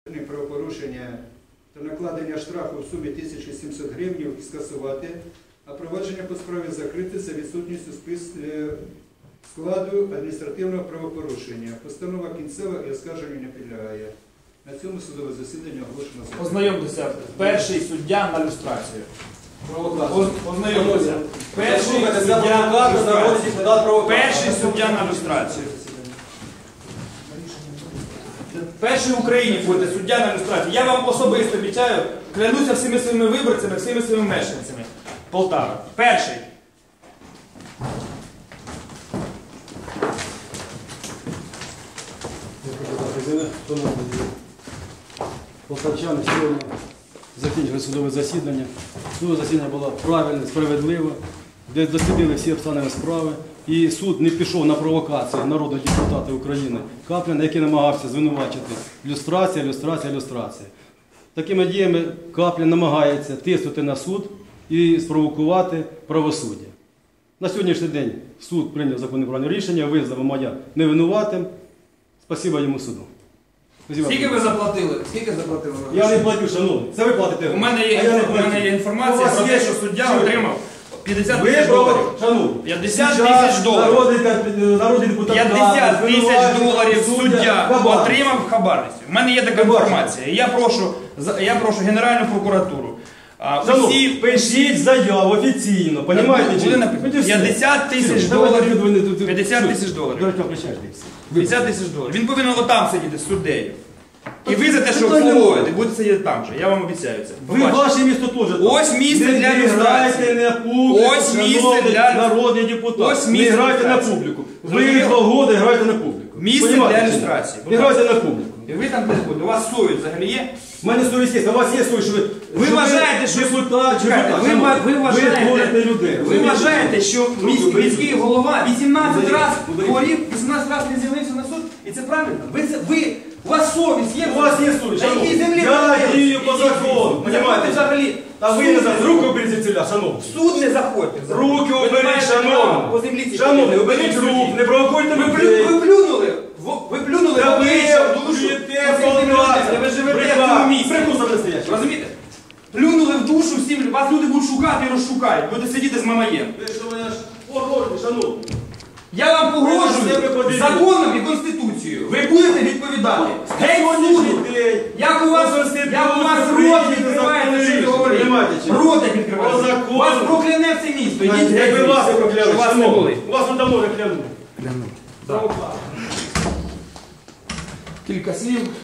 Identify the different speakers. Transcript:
Speaker 1: Правопорушення та накладення штрафу в сумі 1700 гривень скасувати, а провадження по справі закрити за відсутністю складу адміністративного правопорушення. Постанова кінцева і оскарженню не підлягає. На цьому судове засідання оголошено закритим.
Speaker 2: Ознайомтеся. Перший суддя на люстрацію. Ознайомтеся. Перший суддя на люстрацію. Перший в Україні буде суддя на люстрацію. Я вам особисто обіцяю, клянуся всіми своїми виборцями, всіми своїми мешканцями Полтави. Перший.
Speaker 3: Полтавчани сьогодні закінчили судове засідання. Судове засідання було правильне, справедливе, де дослідили всі обставини справи. І суд не пішов на провокацію народного депутата України Капліна, який намагався звинувачити люстрація. Такими діями Каплін намагається тиснути на суд і спровокувати правосуддя. На сьогоднішній день суд прийняв законне правильне рішення, визнав Мамая невинуватим. Спасибо йому суду.
Speaker 2: Скільки ви заплатили?
Speaker 3: Я не платю, шановний. Це ви платите.
Speaker 2: У мене є інформація про те, що суддя отримав 50 тисяч доларів. 50 тисяч доларів. 50 тисяч доларів суддя отримав в хабарництві. У мене є така інформація. Я прошу Генеральну прокуратуру.
Speaker 3: Шановні, пишіть заяву офіційно. Понімаєте?
Speaker 2: 50 тисяч доларів. 50 тисяч доларів. 50 тисяч доларів. Він повинен отам сидіти з суддею. І ви за те, що обслуговуєте, будете сидіти там же. Я вам обіцяю це.
Speaker 3: Ви ваше місто теж там.
Speaker 2: Ось місце для люстрації.
Speaker 3: Ось місце для народний депутат. Не грайте на публіку. Ви 2 роки граєте на публіку.
Speaker 2: Місце для люстрації.
Speaker 3: Не грайте на публіку.
Speaker 2: І ви там десь будете. У вас совість взагалі є?
Speaker 3: У мене совість є. У вас є совість, що
Speaker 2: ви вважаєте, що ви вважаєте, що міський голова 18 разів хворів, 18 разів не з'явився на суд? І це правильно? У вас совість є?
Speaker 3: У вас є совість. Я дію по закону.
Speaker 2: Понимаєте, взагалі.
Speaker 3: Та ви не за руки оберіть ціля, шановні.
Speaker 2: Суд не заходьте.
Speaker 3: Руки оберіть, шановні. Шановні, оберіть рук, не провокуйте людей.
Speaker 2: Ви плюнули. Ви плюнули в обличчя, в душу. Ви живете в цьому місці. Розумієте? Плюнули в душу всім. Вас люди будуть шукати і розшукають. Будете сидіти з Мамаєм.
Speaker 3: Ви що мене аж погрожуєте, шановні.
Speaker 2: Я вам погрожую законом і Конституцією. Ви будете відповідати. Геть суду! Як у вас рот відкривається, що ви говорите? Рот як відкривається. Вас прокляне все місто.
Speaker 3: Як ви вас прокляли,
Speaker 2: шановні.
Speaker 3: У вас тут давно вже клянули.
Speaker 2: Кілька слів.